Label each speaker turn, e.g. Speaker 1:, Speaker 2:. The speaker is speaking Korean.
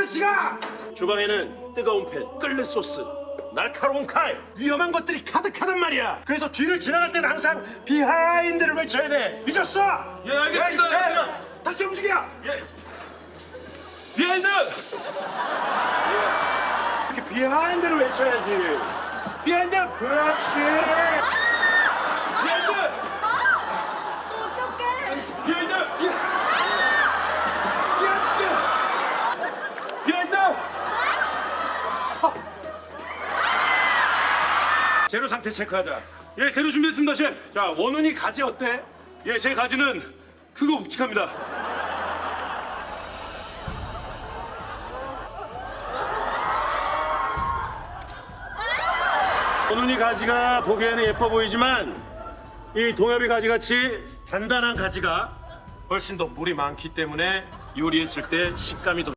Speaker 1: 아저씨가! 주방에는 뜨거운 팬, 끓는 소스, 날카로운 칼, 위험한 것들이 가득하단 말이야. 그래서 뒤를 지나갈 때는 항상 비하인드를 외쳐야 돼. 잊었어?
Speaker 2: 예, 알겠습니다. 알겠습니다.
Speaker 1: 다시 움직여.
Speaker 2: 예. 비하인드!
Speaker 1: 이렇게 비하인드를 외쳐야지. 비하인드. 그렇지.
Speaker 2: 비하인드!
Speaker 3: 어떡해.
Speaker 2: 비하인드!
Speaker 1: 비하인드.
Speaker 2: 비하인드!
Speaker 1: 재료 상태 체크하자.
Speaker 2: 예, 재료 준비했습니다, 셰프.
Speaker 1: 자, 원훈이 가지 어때?
Speaker 2: 예, 제 가지는 크고 묵직합니다.
Speaker 1: 원훈이 가지가 보기에는 예뻐 보이지만 이 동엽이 가지같이 단단한 가지가 훨씬 더 물이 많기 때문에 요리했을 때 식감이 더